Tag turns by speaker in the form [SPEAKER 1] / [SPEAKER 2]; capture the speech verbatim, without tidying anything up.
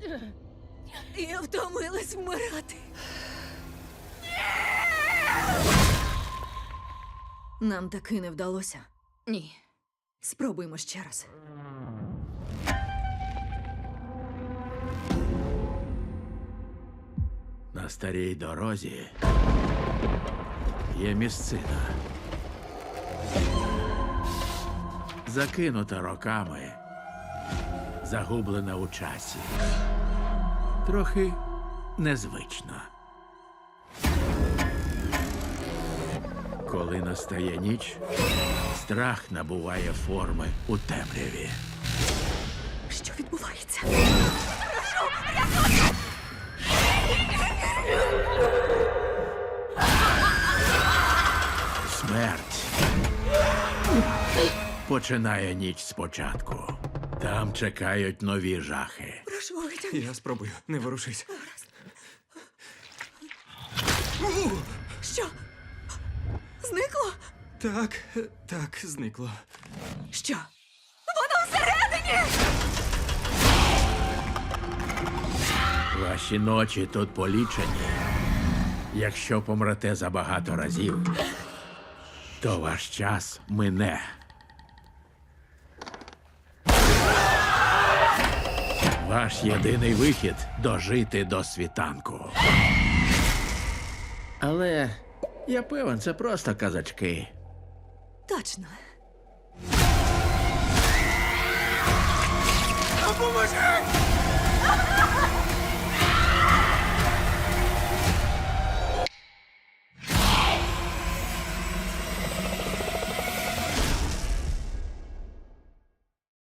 [SPEAKER 1] Я втомилась вмирати. Нам таки не вдалося.
[SPEAKER 2] Ні.
[SPEAKER 1] Спробуємо ще раз.
[SPEAKER 3] На старій дорозі є місцина. Закинута роками, загублена у часі. Трохи незвично. Коли настає ніч, страх набуває форми у темряві.
[SPEAKER 1] Що відбувається?
[SPEAKER 3] Смерть починає ніч спочатку. Там чекають нові жахи.
[SPEAKER 1] Прошу, витягни.
[SPEAKER 4] Я спробую, не ворушись.
[SPEAKER 1] Що? Зникло?
[SPEAKER 4] Так, так, зникло.
[SPEAKER 1] Що? Воно всередині!
[SPEAKER 3] Ваші ночі тут полічені. Якщо помрете забагато разів, то ваш час мине. Ваш єдиний вихід – дожити до світанку. Але я певен, це просто казачки.
[SPEAKER 1] Точно.
[SPEAKER 4] Допоможи!